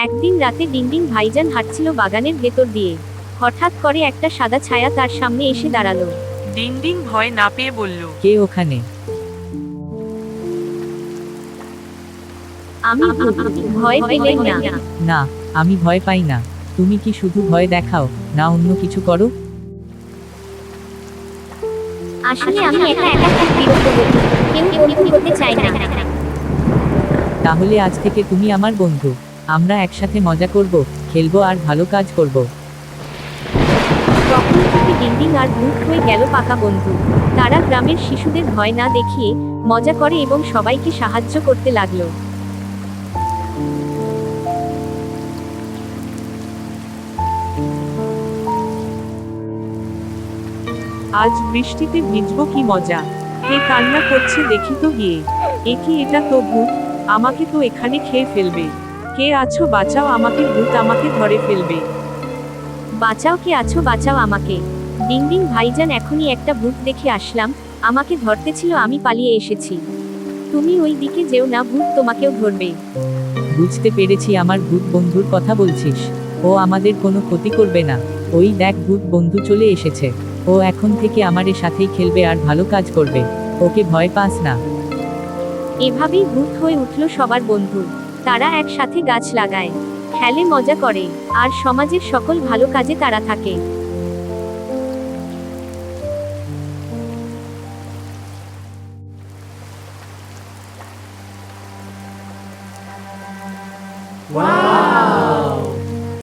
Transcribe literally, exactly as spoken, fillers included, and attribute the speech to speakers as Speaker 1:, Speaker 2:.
Speaker 1: একদিন রাতে ডিংডিং ভাইজান হাঁটছিল বাগানের ভেতর দিয়ে। হঠাৎ করে একটা সাদা ছায়া তার সামনে এসে দাঁড়ালো।
Speaker 2: ডিংডিং ভয় না পেয়ে বলল,
Speaker 3: কে ওখানে?
Speaker 1: আমি ভূত, ভয় পেলেন না।
Speaker 3: না, আমি ভয় পাই না। তুমি কি শুধু ভয় দেখাও, না অন্য কিছু করো?
Speaker 1: আসলে আমি একা একা খুব বিরক্ত হই, কেউ বন্ধু হতে চায় না।
Speaker 3: তাহলে আজ থেকে তুমি আমার বন্ধু। আমরা একসাথে মজা করব, খেলবো আর ভালো কাজ করব।
Speaker 1: তখন থেকে ডিংডিং আর ভূত হয়ে গেল পাকা বন্ধু। তারা গ্রামের শিশুদের ভয় না দেখিয়ে মজা করে এবং সবাইকে সাহায্য করতে লাগলো।
Speaker 2: আজ বৃষ্টিতে ভিজবো, কি মজা। কে কান্না করছে দেখি তো গিয়ে। এ কি, এটা তো ভূত, আমাকে তো এখানে খেয়ে ফেলবে। কে আছো, বাঁচাও আমাকে, ভূত আমাকে ধরে ফেলবে।
Speaker 1: বাঁচাও, কে আছো, বাঁচাও আমাকে। ডিংডিং ভাইজান, এখনই একটা ভূত দেখে আসলাম, আমাকে ধরতে ছিল, আমি পালিয়ে এসেছি। তুমি ওই দিকে যেও না, ভূত তোমাকেও ধরবে।
Speaker 3: বুঝতে পেরেছি, আমার ভূত বন্ধুর কথা বলছিস। ও আমাদের কোনো ক্ষতি করবে না। ওই দেখ, ভূত বন্ধু চলে এসেছে। ও এখন থেকে আমাদের সাথেই খেলবে আর ভালো কাজ করবে। ওকে ভয় পাস না।
Speaker 1: এভাবেই ভূত হয়ে উঠল সবার বন্ধু। তারা একসাথে গাছ লাগায়, খেলে, মজা করে, আর সমাজের সকল ভালো কাজে তারা থাকে।